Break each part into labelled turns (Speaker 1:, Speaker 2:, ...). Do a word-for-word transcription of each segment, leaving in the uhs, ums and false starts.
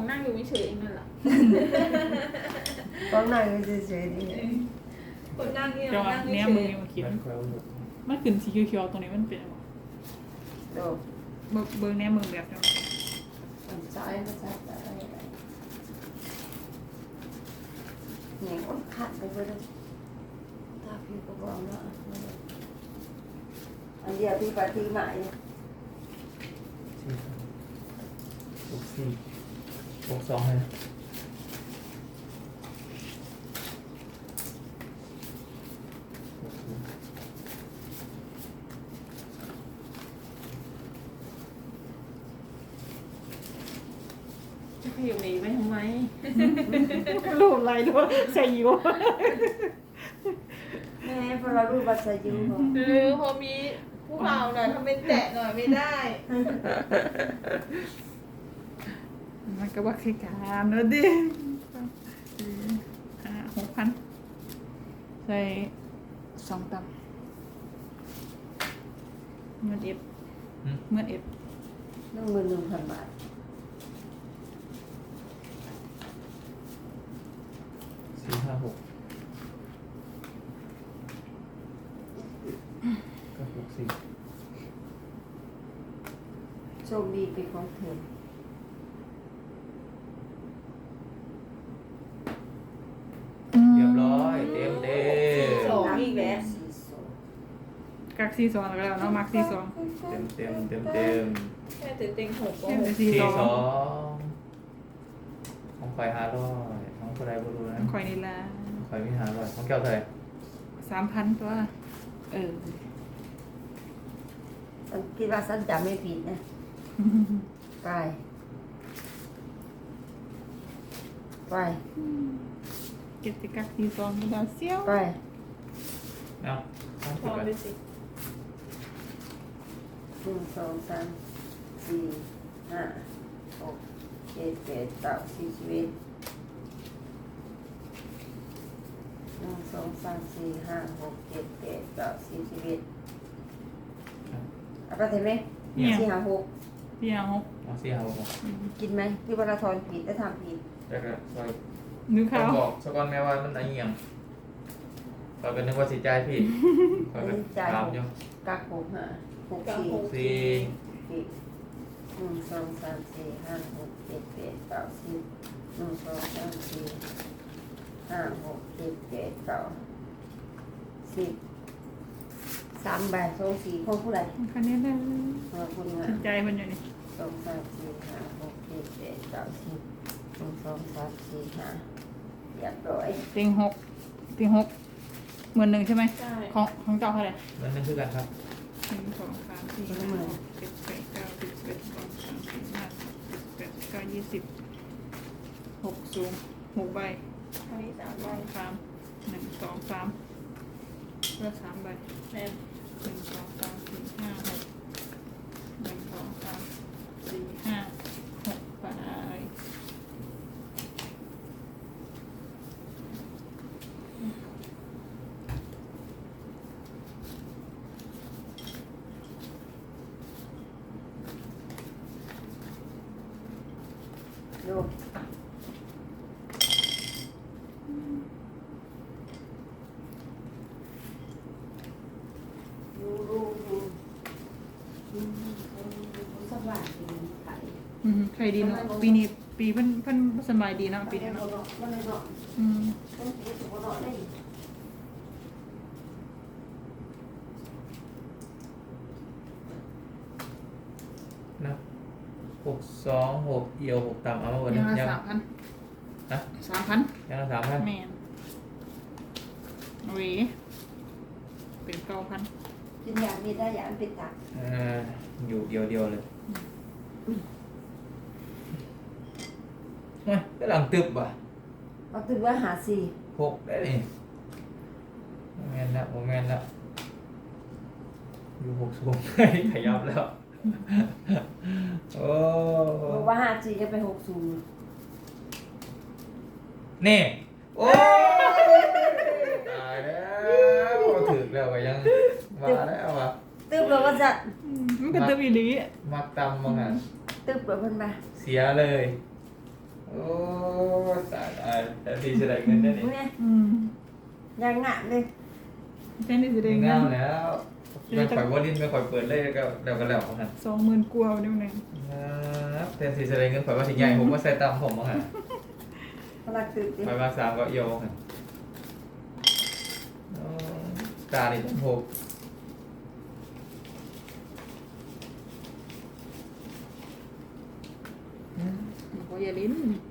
Speaker 1: นั่งอยู่เฉยๆเองนั่นแหละ
Speaker 2: ต้องนั่งเฉยๆนี่
Speaker 1: คนนั่งนี่
Speaker 3: จังหวะ
Speaker 1: นั่ง
Speaker 3: เนี้ย
Speaker 1: เฉ
Speaker 3: มึง
Speaker 1: ย
Speaker 3: นี่มาเขียน
Speaker 4: มันคอยเอาหมด
Speaker 3: มันขึ้นสีเขียวๆตรงนี้มันเป็นอะไร
Speaker 2: โดด
Speaker 3: เบิ่งเบิ่งแน่มึงแบบจัง
Speaker 2: มันซ้ายมันซ้ายซ้ายอะไรเนี่ยก็ขัดไปเลยถ้าพี่ก็บอกว่าอันเดียวพี่ปฏิมาเนี่ย
Speaker 4: หกสี่หกสองเลยหกสี่
Speaker 1: ๆจะขยับหนีไปทำไม
Speaker 3: รูปอะไรด้วยใส่อยู่
Speaker 2: แม่พอเรารู้บัตรสายุเขา
Speaker 1: หรือพอมีผู้เผาหน่อยทำเป็นแตะหน่อยไม่ได้
Speaker 3: มันก็ว่าคือการนะดิห้าหกพันใส่สองตังเงินเอฟเงินเอฟ
Speaker 2: หนึ่งหมื่นหนึ่งพันบาท
Speaker 4: สี่ห้าหกก็หกสี่
Speaker 2: โชคดีเป็นของเธอ
Speaker 4: เรียบร้อยเต็มเต็ม
Speaker 1: สองอีกแล้ว
Speaker 2: สี่สอง
Speaker 3: กักซีสองแล้วก็แล้วเนาะมักซีสอง
Speaker 4: เต็มเต็มเต็มเต็ม
Speaker 1: แค่เต็งหกก็
Speaker 3: เต็ม
Speaker 1: ห
Speaker 3: แต่
Speaker 1: ก
Speaker 3: ซี
Speaker 4: สี่
Speaker 3: สอง
Speaker 4: สองของไฟห้าร้อยของคนใดบ่รู้นะ
Speaker 3: คอยนี่ละ
Speaker 4: ไฟมีห้าร้อยของแก้วเท่าไหร่
Speaker 3: สามพันตัวเออ
Speaker 2: ฉันคิดว่าฉันจำไม่ผิดนะไปไป
Speaker 3: เก็บติกักซีสองไม่ได้เซี่ยว
Speaker 2: ไป
Speaker 4: เอาต้อง
Speaker 1: พ
Speaker 4: คิด
Speaker 1: อ
Speaker 4: ไป
Speaker 1: ไปสิ
Speaker 2: หนึ่งสองสามสี่ห้าหกเจ็ดแปดเก้าสิบสิบเอ็ดหนึ่งสองสามสี่ห้าหกเจ็ดแปดเก้าสิบสิบเอ็ดเอาไปเห็นไหมสี่ห้าหก
Speaker 3: พี่เอา
Speaker 4: เอาสี่ห้าหก
Speaker 2: กินไหมพี่วราธรผิดแล้วทำผิด
Speaker 4: แล้วก็ซอย
Speaker 3: นึก
Speaker 4: ต้อ
Speaker 3: เขา
Speaker 4: งบอกสกอนแม่ว่ามันอะไรเงี้ยคอยเป็นนึกว่าสิใจายพี่คอยเป็นตามอยู่
Speaker 2: กักหกห้าหกสี่
Speaker 4: สี่
Speaker 2: สี่หนึ่งสองสามสี่ห้าหกเจ็ดแปดเก้าสิบหนึ่งสองสามสี่ห้าหกเจ็ดแปดเก้าสิบสามใบสองสี่ของผู้ใด
Speaker 3: คันนี้เลย
Speaker 2: ของคุณงา
Speaker 3: ส
Speaker 2: น
Speaker 3: นใจมันอยู่นี่
Speaker 2: สองสามสี่ห้าหกเจ็ดแปดเก้าสิบหนึ่งสองสามสี่ห้าเรียบร้อย
Speaker 3: เต็งหกเต็งหกหมื่นหนึ่งใช่ไหม
Speaker 1: ใช่
Speaker 3: ของของเจ้าเท่าไหร่
Speaker 4: มันนั่นคือกันครับ
Speaker 3: หนึ่งสองสามสี่ห้าหกเจ็ดแปดเก้าสิบสิบเอ็ดสิบสองสิบสามสิบห้าสิบแปดสิบเก้ายี่สิบหกสูงหกใบ
Speaker 1: อันนี้สาม
Speaker 3: ส
Speaker 1: ใบ
Speaker 3: องสามหนึ่งสองสามเลือกสามใบ
Speaker 1: แม่
Speaker 3: หนึ่งสองสามสี่ห้าหกหนึ่งสองสามสี่ห้าหกใบ
Speaker 2: ดูดูดูดูดูสบายดีไข่
Speaker 3: อืมใครดีเนาะปีนี้ปีเพิ่นเพิ่นสบายดีเนาะปีนี้เนาะ
Speaker 2: มันเลยเนาะ
Speaker 3: อืม
Speaker 2: ต้องกินสุกเนาะได้
Speaker 4: นะหกสองหกเอียวหกต่ำเอามาหมด
Speaker 3: ยังละ
Speaker 4: ยัง
Speaker 3: สามพัน
Speaker 4: ฮะ
Speaker 3: สามพัน
Speaker 4: ยังละสามพัน
Speaker 3: แมนเวเป็นเก้าพัน
Speaker 2: กินยามีได้ยาเป็นตับ
Speaker 4: อ่าอยู่เดียวเดียวเลยเฮ้ยก็หลังตึบว่ะ
Speaker 2: เราตื่นว่าหาสี่
Speaker 4: หกได้นี่โมเมนต์แล้วโมเมนต์แล้วอยู่หกสูงขยับแล้ว โอ้
Speaker 2: บอกว่าหาสี่จะไปหกศูนย์
Speaker 4: นี่โอ้ตายแล้วถึงแล้วก็ยังมาแล้วอ่ะ
Speaker 2: ตึบเราก็จะ
Speaker 3: อืมมันเป็นตัวอีหลี
Speaker 4: มักตำมั้งอ่ะ
Speaker 2: ตึบเราเพิ่นมา
Speaker 4: เสียเลยโอ้ตายตายแต่ทีจะได้เงินได้นี่
Speaker 2: เนี่ย
Speaker 3: อืม
Speaker 2: ยังงะเลย
Speaker 3: แค่นี้สิได้
Speaker 4: เง
Speaker 3: เงิ
Speaker 4: าน แล้วไม่ค่อยว่าลิ้นไม่ค่อยเปิดเลยก็แล้วก็แล้วของหัน
Speaker 3: สองหมื่นกว่าเดี๋ยวหนึง
Speaker 4: ครับแต่ทีจะได้เงินข่อยว่าถึงใหญ่ผมว่าใส่ตามผมมั้งฮะ
Speaker 2: พลังตื่นดิ
Speaker 4: ข่อยว่าสามก็เอียวฮะตาดิผมหก
Speaker 3: โอ้ยอย่าลิ้น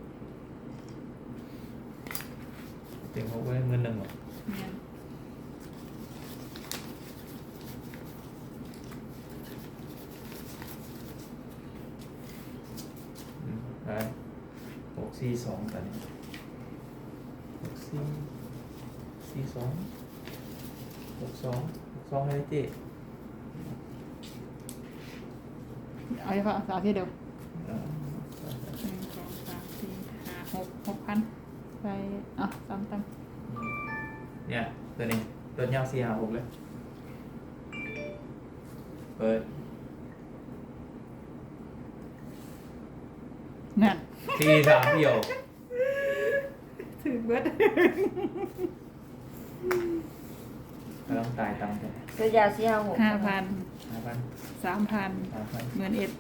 Speaker 4: ถึงหกไว้เงินหนึ่งหรอ
Speaker 3: เนี่ย
Speaker 4: ไปหกสี่สองตอนนี้หกสี่สี่สองหกสองหกสองให้ได้เจ๊
Speaker 3: เอาไปฝากสาวที่เดียว
Speaker 4: อ่า
Speaker 3: หนึ่งสองสามสี่ห้าหกหกพันไปอ่ะตามตาม
Speaker 4: เนี่ยตัวนี้ตัวยาวสี่ห้าหกเลยเปิด
Speaker 3: นั่น
Speaker 4: สี่สามเดียว
Speaker 3: ถือเบิด
Speaker 4: กำลังตายตามไป
Speaker 2: ตัวยาวสี่ห้าหก
Speaker 3: ห้าพัน
Speaker 4: ห้าพัน
Speaker 3: สามพัน
Speaker 4: สามพัน
Speaker 3: หมื่นเอ็ด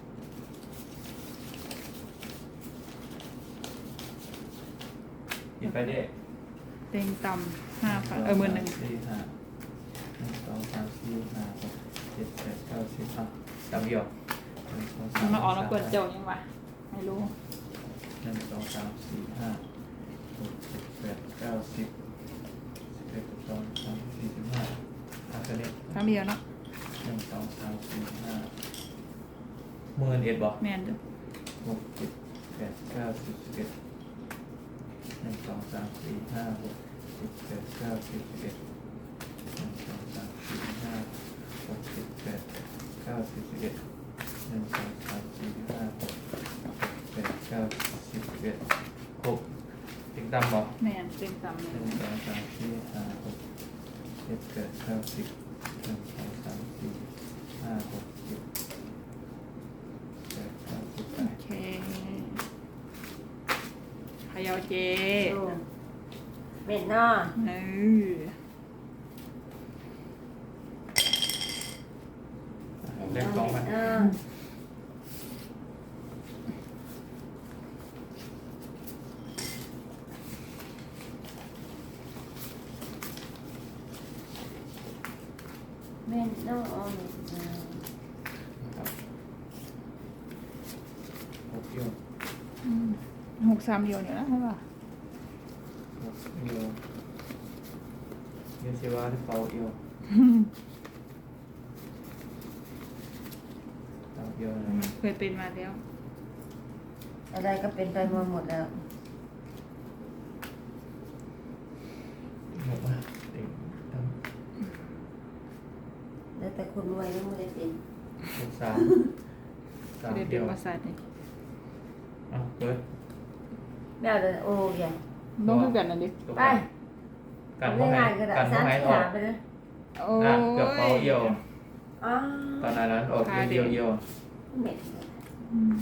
Speaker 4: กินไปได้
Speaker 3: เต็งต่ำห้าพันเออหมื่นหนึ่ง
Speaker 4: สี่ห้าหนึ่งสองสามสี่ห้าหกเจ็ดแปดเก้าสิบอ่ะสามเดียวหนึ่งสองสาม
Speaker 3: มันมาออกแล้วเปิดเจ้ายังวะไม่รู้
Speaker 4: หนึ่งสองสามสี่ห้าหกเจ็ดแปดเก้าสิบสิบเอ็ดสิบสองสิบสามสี่สิบห้าอ่ะตัวนี้
Speaker 3: ครั้งเดียวเนาะ
Speaker 4: หนึ่งสองสามสี่ห้าหมื่นเอ็ดบอก
Speaker 3: แมนเด้อ
Speaker 4: หกเจ็ดแปดเก้าสิบสิบเอ็ดหนึ่งสองสามสี่ห้าหกเจ็ดแปดเก้าสิบสิบเอ็ดหนึ่งสองสามสี่ห้าหกเจ็ดแปดเก้าสิบสิบเอ็ดหนึ่งสองสามสี่ห้าหกเจ็ดแปดเก้าสิบสิบเอ็ดครบติงตามบอก
Speaker 3: แมนเต็งต่ำ
Speaker 4: ห
Speaker 3: เลย
Speaker 4: นึ่งสองสามสี่ห้าหกเจ็ดแปดเก้าสิบหนึ่งสองสามสี่ห้าหกเจ็ดแปดเก้าสิบไป
Speaker 3: โอเคพายาวเจ
Speaker 2: โอ้เม็ดเนาะ
Speaker 3: เออ
Speaker 4: เล่นกองมัน
Speaker 2: เออเม็ดเนาะ
Speaker 4: ครับหกโยน
Speaker 3: อืมหกสามเดียวเนี่ยนะใช่ป่ะ
Speaker 4: หกโยนเยนเซวาที่เป่าโยนเป่าโยนอะไร
Speaker 3: มันเคยเป็นมาแล้ว
Speaker 2: อะไรก็เป็นไปมาหมดแล้ว
Speaker 4: หกมาติงตั้ง
Speaker 2: แล้วแต่คนรวยไม่ได้เป็น
Speaker 4: หกสามสาม
Speaker 3: เคยเป็
Speaker 4: เดี
Speaker 3: น
Speaker 4: ยว
Speaker 3: ประสาทนี่
Speaker 4: อ่ะเปิด
Speaker 2: ไม่เอาเลยโอ้ย
Speaker 3: ต้องคือกันนะดิ
Speaker 4: ตก
Speaker 2: ไป
Speaker 4: กัน
Speaker 2: ไม่
Speaker 4: พ่อให้
Speaker 2: ง่ายก็ได้
Speaker 4: กันพ่อ
Speaker 2: สาม
Speaker 4: ให้
Speaker 2: สี่
Speaker 4: ออ
Speaker 2: หาก ไปเลย
Speaker 3: โอ้
Speaker 4: อ่ะเกือบเป่าเอียว
Speaker 2: อ๋อ
Speaker 4: ตอนนั้นออกเอียวเอียว
Speaker 2: เม็ด
Speaker 3: อืม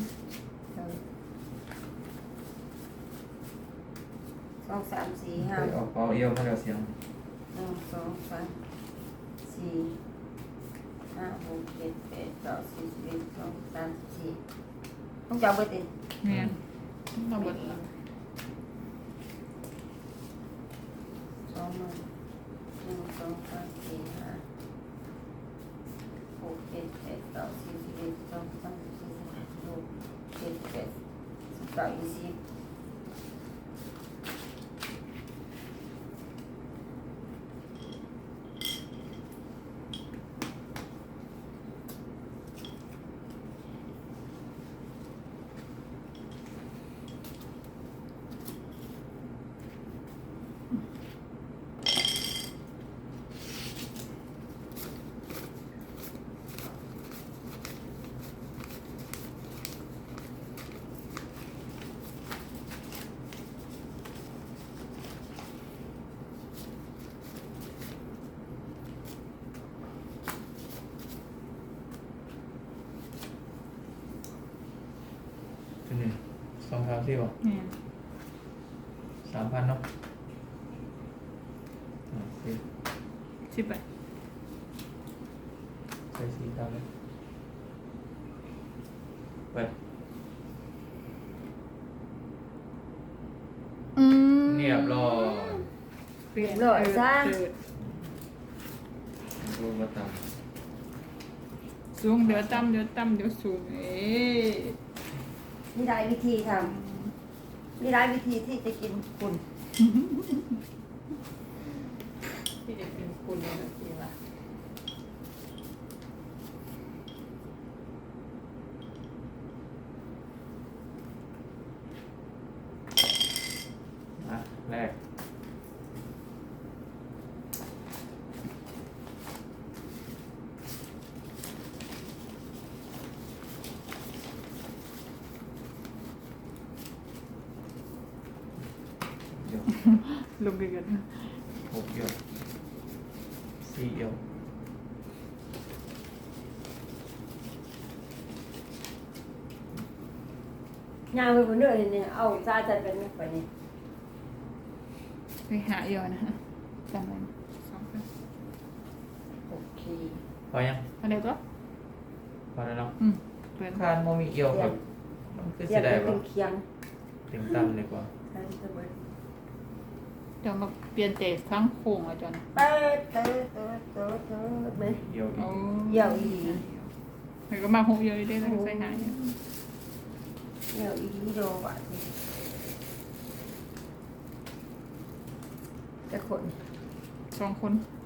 Speaker 2: สองสามสี่ห้า
Speaker 4: ออกเป่าเอียวมาแล้วเสียง
Speaker 2: หนึ่งสองสามสี่ห้าหกเจ็ดแปดเก้าสิบสิบเอ็ดสองสามสี่ต้องจับไปติด
Speaker 3: แมนมาเบิดละ
Speaker 2: สองหมื่นหนึ่งสองสามสี่ห้าหกเจ็ดแปดเก้าสิบสิบเอ็ดสองสามสี่ห้าหกเจ็ดแปดสิบเก้ายี่สิบ
Speaker 4: ตัวนี้สองสามสี่บอก
Speaker 3: แมน
Speaker 4: สามพันเนาะอ่ะสิ
Speaker 3: สิบไป
Speaker 4: ใส่สีดำเลยไป
Speaker 3: อืม
Speaker 4: เรียบร้อย
Speaker 3: เปลี่ยน
Speaker 2: หล่อยซะ
Speaker 3: เจิด
Speaker 4: ดูมาต่
Speaker 3: สูงเดี๋ยวต่ำเดี๋ยวต่ำเดี๋ยวสูงเอ๊ะ
Speaker 2: มีหลายวิธีทำมีหลายวิธีที่จะกินคุณ
Speaker 1: ที่จะเป็นคุณเลยนะพี่ว่า
Speaker 4: ำอ่ะแรกเดี๋ยว
Speaker 3: ลงเดือน
Speaker 4: หกเอียวสี่เอียว
Speaker 2: งานไปบนเรื่องเนี่ยเอาซาจะเป็นไม่ค่อยนี่
Speaker 3: ไปหาเยอะนะฮะจำไว้นะสองพัน
Speaker 2: โอเค
Speaker 4: พอยัง
Speaker 3: อันเดียวก็
Speaker 4: พอแล้วเนาะ
Speaker 3: อืมเปลี่ยน
Speaker 4: คานโมมีเอียวครับมันคือ
Speaker 2: เรีย
Speaker 4: สิ
Speaker 2: ก
Speaker 4: ได้
Speaker 2: ได้เป็
Speaker 4: ปะ
Speaker 2: นเคียง
Speaker 4: เต็มตั้มเลยกว่า
Speaker 2: อันนี้จะเบิด
Speaker 3: เดี๋ยวมาเปลี่ยนเตะครั้งโค้งอ่ะจอน
Speaker 2: เติร์ดเติร์ดเติร์ดเติร์ดเติร์ดไหม
Speaker 4: เอียวอี
Speaker 3: โอ้
Speaker 4: ก
Speaker 2: เยี่ยวอี
Speaker 3: เฮ้ยก็มาหกเยอะได้แล้วก็ใส่หายเนี่ย
Speaker 2: เยี่ยวอีโดว่ะสิแต่คน
Speaker 3: สองคน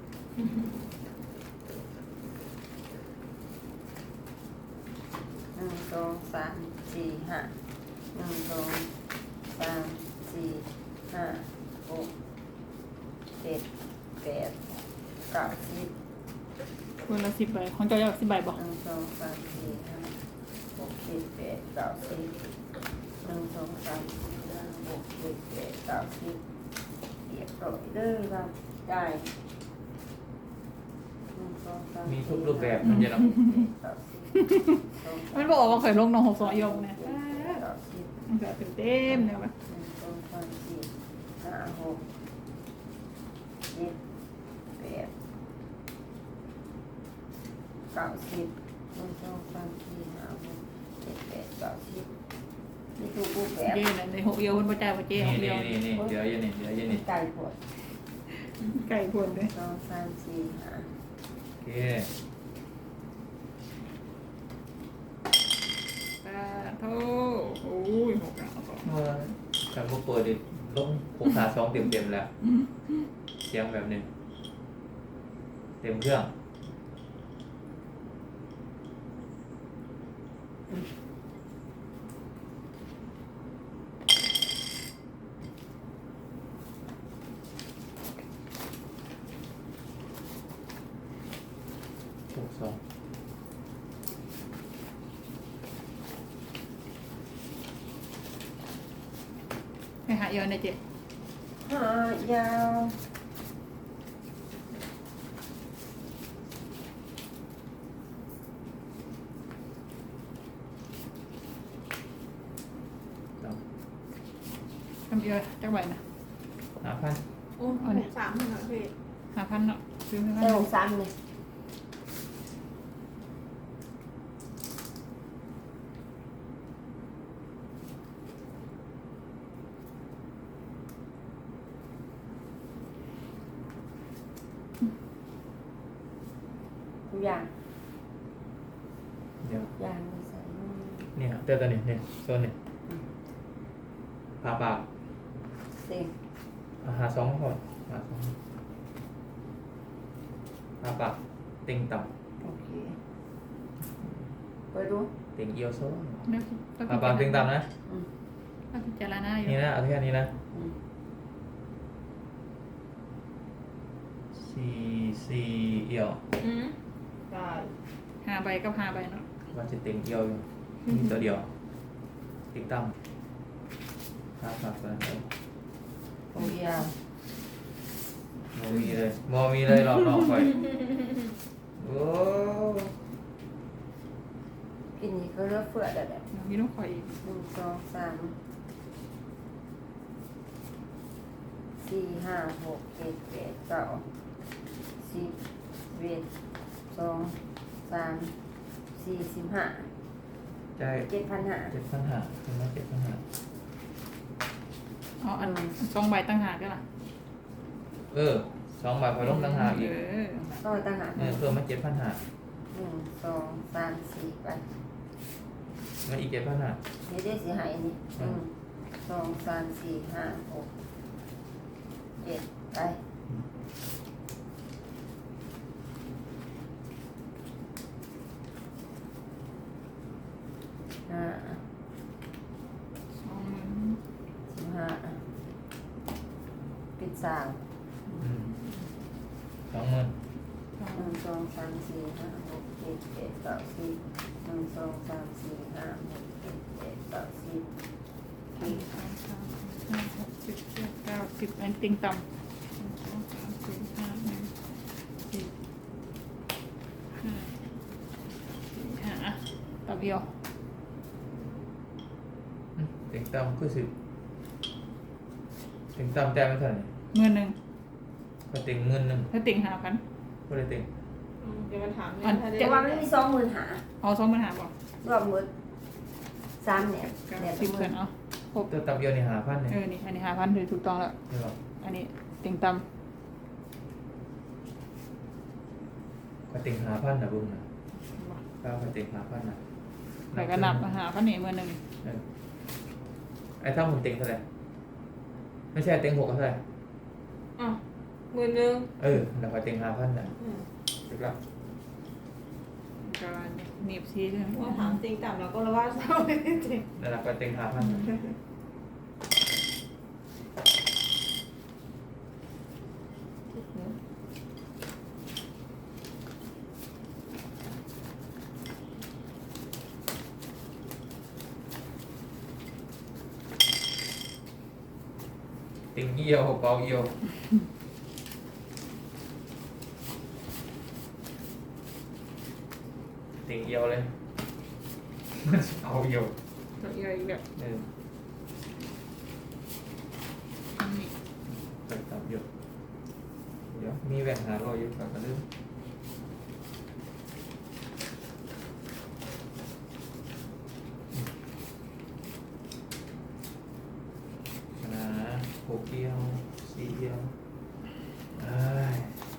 Speaker 2: หนึ่งสองสามสี่ห้าหนึ่งสองสามสี่ห้าหกเจ็ดแปดเก้าสิบ
Speaker 3: คนละสิบใบของเจ้าอยากสิบใบบอก
Speaker 2: หนึ่งสองสามสี่ห้าหกเจ็ดแปดเก้าสิบหนึ่งสองสามสี่ห้าหกเจ็ดแปดเก้าสิบเรียบร้อยเด้อครับได้หนึ่งสองสาม
Speaker 4: มีทุกรูปแบบมันจะเนาะ
Speaker 2: เก้าสิบ
Speaker 3: มันบอกว่าเคยลงน้องหกสองยงเนี่ย
Speaker 2: เก้าสิบ
Speaker 3: มันจะเต็มเต็มๆเนี่ยปะ
Speaker 2: หนึ่งสองสามสี่ห้าหกเจ็ดแปดเก้าสิบหนึ่งสองสามสี่ห้าหกเจ็ดแปดเก้าสิบนี่ถูกรูปแบบ
Speaker 3: เจ๊เนี่ยในหกเอียวคนประจายประเจ๊ห
Speaker 4: นี่
Speaker 3: กเอี
Speaker 4: นี่
Speaker 3: ยว
Speaker 4: นี่นี่เดี๋ยวอยันนี่เดี๋ยวอยันนี่
Speaker 2: ไก่ปวด
Speaker 3: ไก่พวนเลย
Speaker 2: สองสามสี่ห้า
Speaker 4: โอเค
Speaker 3: ตาโทโอ้ยหกแล้วสอง
Speaker 4: เมื่อการมาเปิดดิลงหกขาสองเต็มเต็มๆแล้วเสียงแบบนี้เต็มเครื่องหกสอง
Speaker 3: ไปหาเอียวในเจ๊
Speaker 2: ห้ายาว
Speaker 4: สอง
Speaker 3: ทำเอียวจักใบนะ
Speaker 4: ห้าพัน
Speaker 1: โอ้หกสามหน่อยพี่
Speaker 3: ห้าพันเนาะซื้อให้
Speaker 2: ใส่
Speaker 3: มัน
Speaker 2: หกสามเลยทุกอย่าง
Speaker 4: เดี๋ยว
Speaker 2: อย่างไม่ใส่นู่น
Speaker 4: เนี่ยเต้นตัวนี้เนี่ยโซนนี่ผ่าปาก
Speaker 2: เต็ม
Speaker 4: อาหารสองก่อนหาสองผ่าปากเต็งต่
Speaker 2: โอเคเปิดดู
Speaker 4: ำเต็งเอียวโซ่
Speaker 3: เดี๋ยว
Speaker 4: ผ่าปากเต็งต่ำนะ
Speaker 2: อืม
Speaker 3: ถ้าพิจารณาอยู่
Speaker 4: นี่นะเอาแค่นี้นะ
Speaker 2: อืม
Speaker 4: สี่สี่เอียว
Speaker 1: อืมได้
Speaker 3: ห้าใบกับห้าใบเนาะ
Speaker 4: มันจะเต็งเอียวอยู่มีตัวเดียวเต็งต่ำผ่าปากตัวนั้นเอา
Speaker 2: โอ้ยยาว
Speaker 4: โมมีเลยโมมีเลยรอบนอกไปโอ้
Speaker 2: กินนี่ก็เลือกเฟื่อเด็ด
Speaker 3: มีน้องคอยอีก
Speaker 2: หนึ่งสองสามสี่ห้าหกเจ็ดแปดเก้าสิบเอ็ดสองสามสี่สิบห้า
Speaker 4: ใจาย
Speaker 2: เจ็ดพันห้า
Speaker 4: เจ็ดพันหาเป็นไหมเจ็ดพันหา
Speaker 3: เอาอันสองใบตั้งหากก็ล่ะ
Speaker 4: เออสองใบพอลงต่างหากอีก
Speaker 3: เออ
Speaker 2: ต้องต่างหาก
Speaker 4: เออเพิ่มมาเจ็ดพันหา
Speaker 2: หนึ่งสองสามสี่ไป
Speaker 4: มาอีกเจ็ดพันหา
Speaker 2: นี่ได้สีหายนี่หนึ่งสองสามสี่ห้าหกเจ็ดไปห้า
Speaker 3: สองหมื่น
Speaker 2: สิบห้าปิดสาม
Speaker 4: อืมสองหมื่น
Speaker 3: สอง
Speaker 2: หนึ่งสองสามสี่ห้าหกเจ็ดแปดเก้าสิบหนึ่งสองสามสี่ห้าหกเจ็ดแปดเก้าสิบ
Speaker 3: สองสามสี่ห้าหกเจ็ดแปดเก้าสิบอันติงต่ำหนึ่งสองสามสี่ห้าหนึ่งสี่ห้าสี่ห้าอ่ะต่อเดียว
Speaker 4: อืมเต็งต่ำคือสิบเต็งต่ำแต่ไม่เท่าไหร่
Speaker 3: เงินหนึ่ง
Speaker 4: ก็เต็งเงินหนึ่ง
Speaker 3: ถ้าติงหาพัน
Speaker 4: ก็เลยเต็ง
Speaker 1: อืมเดี๋ยวมาถามเนี่
Speaker 3: อั
Speaker 1: ย
Speaker 3: น
Speaker 1: ถ้าได้
Speaker 2: แต่ว่ามันมีสองหมื่นหา
Speaker 3: เอาสองหมื่นหาบอก
Speaker 2: รวมหมดสามเนี่ย
Speaker 3: เก้า
Speaker 2: เนี่ย
Speaker 3: สิบ
Speaker 2: ห
Speaker 3: เกิ
Speaker 2: มื่
Speaker 3: น
Speaker 2: น
Speaker 3: เอาครบ
Speaker 4: ตัวต่ำเดียวนี่หาพันเนี่ย
Speaker 3: เออนี่อันนี้หาพันเลยถูกต้องแล้ว
Speaker 4: ใช่ป่ะ
Speaker 3: อันนี้ติงต่
Speaker 4: ก็เต็งหาพันนะบุ้งนะ
Speaker 3: ำ
Speaker 4: ก้าวก็เต็งหาพันนะ
Speaker 3: แต่ก็นับหาพันนี่เมื่อหนึ่ง
Speaker 4: เออไอ้ถ้าผมเต็งเท่าไหร่ไม่ใช่เต็งหกก็เท่าไหร่
Speaker 1: อ่ะหมื่นหนึ่ง
Speaker 4: เออแล้วก็เต็งหาพันนะ
Speaker 1: อืม
Speaker 4: ถูกแล้ว
Speaker 3: ก็หนีบซีใช่ไหม
Speaker 1: ว่าถามจริงต่ำเราก็รู้ว่าเศร้าไม่ได้จริง
Speaker 4: แล้วเราก็เต็งหาพันนะเต็งเอียวเปาเอียวเต็งเอียวเลยเอาเอียว
Speaker 3: ตัวใหญ่อีกแบบ
Speaker 4: เออ
Speaker 3: นี้
Speaker 4: ไปตับเอียวเดี๋ยวมีแหวนหารอยอยู่กับกระลืมนะหกเอียวสี่เอียวเอ้ย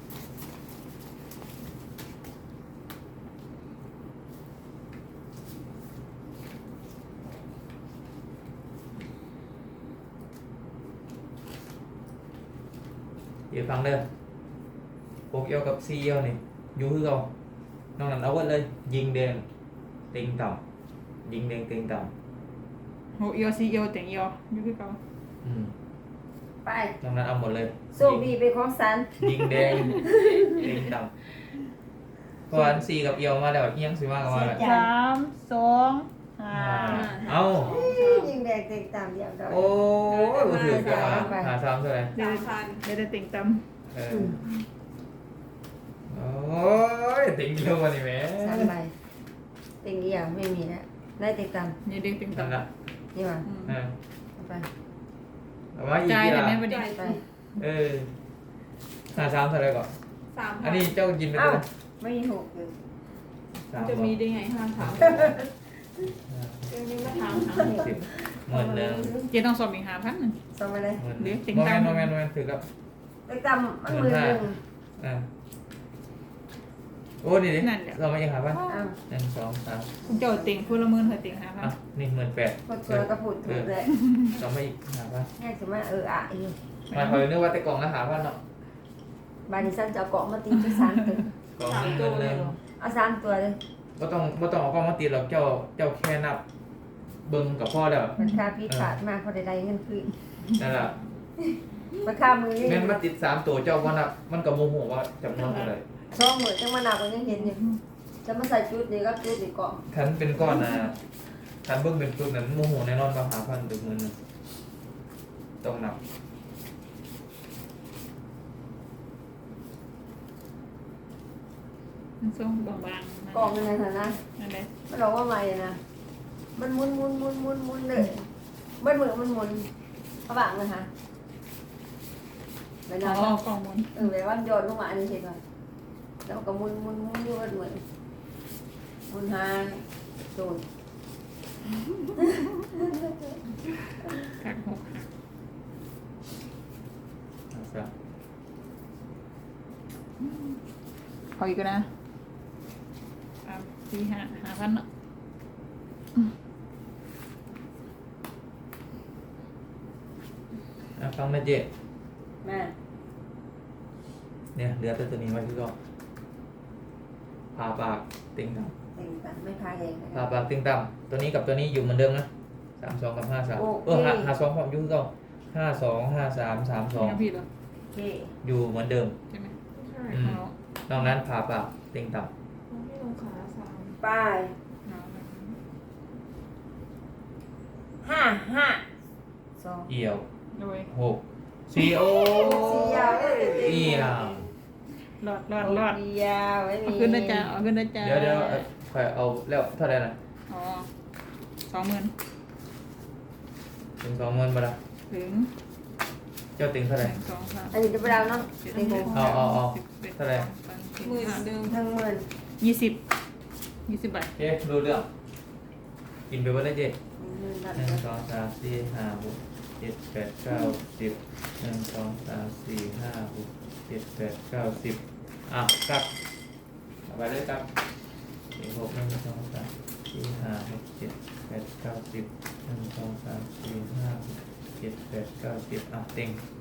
Speaker 4: เดี๋ยวฟังเด้อหกเอียวกับสี่เอียวนี่อยู่คือเรานอกนั้นเอาไว้เลย ยิงแดงติงต่ำยิงแดงติงต่
Speaker 3: โหเอียวซีเอียวเต็งเอียวอยู่ที่เก่า
Speaker 4: ำอืม
Speaker 2: ไป
Speaker 4: นอกนั้นเอาหมดเลย
Speaker 2: โชคดีเป็นของสัน
Speaker 4: ยิงแดงติงต่ำเพราะอันสี่กับเอียวมาแล้วเอียงสิมากับมาแล้ว
Speaker 3: สามสองห้า
Speaker 4: เอา
Speaker 2: ยิงแดงเต็งตามเดียวดอย
Speaker 4: โอ้ยบ่ถือกันมาหาซ้ำเท่าไหร่
Speaker 3: เดี๋ยว
Speaker 1: สามพัน
Speaker 3: เดี๋ยวได้ติงต่
Speaker 4: เออโอ้ยติงเอียวมานี่แหม่
Speaker 2: สามใบเต็งเดียวไม่มีแล้วได้เต็งตาม
Speaker 3: ำนี่เด็กติง
Speaker 4: นั่น
Speaker 3: ต่ำ
Speaker 4: ละ
Speaker 2: นี่หว่า
Speaker 3: อืม
Speaker 4: เออ
Speaker 2: เอาไป
Speaker 4: เอามาอีก
Speaker 3: จ่าย
Speaker 4: ที
Speaker 3: แต่
Speaker 4: ละ
Speaker 3: ไม่ประเดี๋ยว
Speaker 2: ไป
Speaker 4: เออหาซ้ำเท่าไหร่ก่อน
Speaker 1: สามพั
Speaker 4: อัน
Speaker 1: น
Speaker 4: นี้เจ้ากินไป
Speaker 2: เอ้า
Speaker 4: เลย
Speaker 2: ไม่มีหกเลย
Speaker 4: สาม
Speaker 1: จะ
Speaker 4: บ่
Speaker 1: มีได้ไงห้าถามเรื่องนี้มาถามหาหก
Speaker 4: สิบหมื่นหนึ่ง
Speaker 3: เจ๊ต้องสอบอีกหาพันหนึ่ง
Speaker 2: ส่งมาเลย
Speaker 4: หมื่นห
Speaker 3: เดี๋
Speaker 4: นึ่
Speaker 3: ยว
Speaker 4: ง
Speaker 3: ติ่ง
Speaker 4: โมเม
Speaker 3: ตาม
Speaker 4: นต์โมเมนต์โมเมนต์ถือกับ
Speaker 2: เต็งตามมันมือหนึ่ง
Speaker 4: อ่าโอ้ดีดิเราไม่ยังหาป่ะ
Speaker 2: เอ้า
Speaker 4: หนึ่งสองสาม
Speaker 3: คุณเจ้าติงพูดละหมื่นเธอติงหาพัน
Speaker 4: อ่ะนี่หมื่นแปด
Speaker 2: กดตัวกระปุกถูกเลย
Speaker 4: เราไม่อีกหาป่ะ
Speaker 2: แง่สมาเอออ่ะอยู่
Speaker 4: มาคอยนึกว่าแต่กล่องก็หาป่ะเนาะ
Speaker 2: บานิสันจะเอาเกาะมาตีที่สามตัว
Speaker 4: กล่อง
Speaker 1: สาม
Speaker 4: นี้
Speaker 1: ตั
Speaker 4: เงิ
Speaker 1: วน
Speaker 4: ห
Speaker 1: เล
Speaker 4: นึ่
Speaker 1: ย
Speaker 4: ง
Speaker 1: เหรอ
Speaker 2: เอาสามตัวเลย
Speaker 4: ก็ต้องก็ต้องเอากล้องมาติดหรอกเจ้าเจ้าแค่นับเบิ้งกับพ่อแล้ว
Speaker 2: มันค่าพิขาดมากพอได้เงินคืน
Speaker 4: นั่นแหละ
Speaker 2: มันค่ามือนี่
Speaker 4: แม่นมาติดสามตัวเจ้าว่านับมันก็โมโหว่าจำนวนเท่าไหร่
Speaker 2: ช่องหมือจังมาหนักกว่ายังเห็นอยู่จะมาใส่ชุดนี้ก็ชุดนี้เกาะ
Speaker 4: คันเป็นก้อนนะคันเบิ้งเป็นจุดนั้นโมโหแน่นอนว่าหาพันถึงหมื่นหนึ่งต้องนับ
Speaker 3: มันส่งบางๆ
Speaker 2: กล่องในฐานะ
Speaker 3: นั่นเลย
Speaker 2: มันบอกว่าใหม่นะมันหมุนหมุนหมุนหมุนหมุนเลยมันเหมือนมันหมุนเขาบังเลยค่ะเว
Speaker 3: อ๋
Speaker 2: ลา
Speaker 3: อ
Speaker 2: เรา
Speaker 3: กล่องหมุน
Speaker 2: เออเวลามันโยนลงมาอันนี้เห็นไหมแล้วก็หมุนหมุนหมุนอยู่เหมือนหมุนหาโดน
Speaker 3: กักหกหัก
Speaker 4: เอาซะ
Speaker 3: เอาอีกนะสามสี่ห้าห้าพันเนาะ
Speaker 4: อ่ะฟังแม่เจ๊
Speaker 2: แม่
Speaker 4: เนี่ยเหลือแต่ตัวนี้ไว้ที่ก็ผ่าปากติงต่
Speaker 2: เองกันไม่พายเอง
Speaker 4: ำผ่าปากติงต่ำตัวนี้กับตัวนี้อยู่เหมือนเดิมนะสามสองกับห้าสาม
Speaker 2: โอเค
Speaker 4: เออห้าห้าสองความอยุ่งก็ห้าสองห้าสามสามสอง
Speaker 3: นี่พี่เหรอ
Speaker 2: โอเค
Speaker 4: อยู่เหมือนเดิม
Speaker 3: ใช่ไหม
Speaker 1: ใช่
Speaker 4: อืม
Speaker 3: เอา
Speaker 4: นอกนั้นผ่าปากติงต่
Speaker 1: ไม่ลงขาสาม
Speaker 2: ป้าย
Speaker 3: เอาแบบนี้
Speaker 2: ห้าห้าสอง
Speaker 4: ำเอี่ยว
Speaker 3: โดย
Speaker 4: หกสี่โอ
Speaker 2: สี่ยาวเลย
Speaker 4: เอี่ยว
Speaker 3: รอดรอดรอด
Speaker 2: สี่ยาวไม่มี
Speaker 3: เอาขึ้นนะจ๊ะเอาขึ้นนะจ๊ะ
Speaker 4: เดี๋ยวเดี๋ยวเอาค่อยเอาแล้วเท่าไหร่นะ
Speaker 3: อ๋อสองหมื่น
Speaker 4: ถึงสองหมื่นบาทละ
Speaker 3: ถึง
Speaker 4: เจ้าติงเท่า
Speaker 3: ห
Speaker 4: ไหร่
Speaker 3: นึ่งสองสาม
Speaker 2: อันนี้จะไปเราเนาะ
Speaker 3: เจ็ด
Speaker 2: เต็งห
Speaker 3: แปด
Speaker 2: ก
Speaker 4: เอาเอาเอา
Speaker 3: สิบอ็ด
Speaker 4: เท่าไหร่
Speaker 3: สองสามสี่
Speaker 1: หมื่น
Speaker 3: ห้า
Speaker 1: เดิม
Speaker 2: ทั้งหมื่น
Speaker 3: ยี่สิบยี่สิบใบ
Speaker 4: เอ๊ะรู้เรื่องกินไปว่าได้เจ๊
Speaker 2: หมื่นนั่น
Speaker 4: หนึ่ง
Speaker 2: ก็
Speaker 4: สองสามสี่ห้าหกเจ็ดแปดเก้าสิบหนึ่งสองสามสี่ห้าหกเจ็ดแปดเก้าสิบอ่ะกลับเอาไปเลยครับสี่หกหนึ่งสองสามสี่ห้าหกเจ็ดแปดเก้าสิบหนึ่งสองสามสี่ห้าหกเจ็ดแปดเก้าสิบอ่ะเต็ง